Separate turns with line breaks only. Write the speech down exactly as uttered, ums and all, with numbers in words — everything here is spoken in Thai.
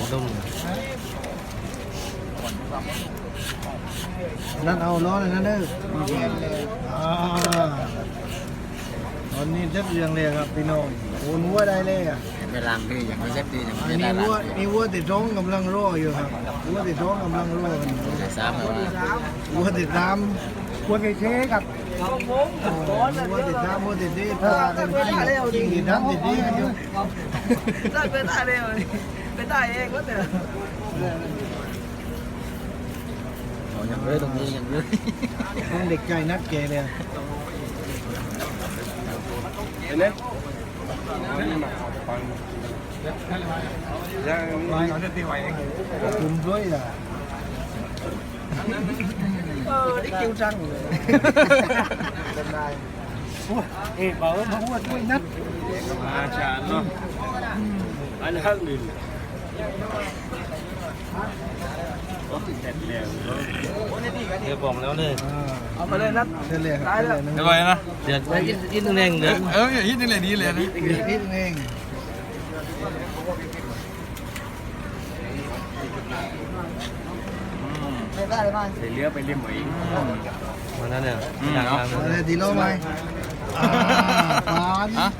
นุ่ม
นั่นเอาล้อเลยนะเด้ออ่าตอนนี้เจ็บเรียงเลยครับพี่น้องโอ้นัวได้เลยอ่ะ
ไปล้างดีอย่างไม่เซ็ตดีอย่าง
อัน
ไม่ได้
นี้
ล้า
วัว
งดี
นี่วัวติดท้องกำลังรออยู่ครับวัวติดท้องกำลังรอกัน
ใส่ซ้ำเลยว่า
วัวติดตามวัวไก่เชกับวัวติดตามวัวติดดีพากันกินกินน้ำติดดีกันอยู่
ได้เป็นได้เลยเป็นได้เองก็เถอะ
อย่างเลยตรงนี้อย่างเลย
ต้องเด็กใจนักเกเลย คุมด้วยอ่ะ
เออได้คิวจังเลย
เอ๊ะบอกว่าวัวด้วยนัด
มาชาเนาะอันนี้หนึ่งเดี๋ยวบอกแล้วเนี่ย
เอาไปเลยนัด
เฉลี่ย
ได้แล้ว
เดี๋ยวไปนะเดี๋ยวอีกอีกหนึ่งเองเดี๋ยว
เอออย่างนี้นี่เลยดีเลยนะ
นิดนิดเอง
ได้เลยไหม
เลี้ยวไปเลี้ยวหมวยมันนั่นเนี่ย
อะไรดีโลไหมอ่าปาน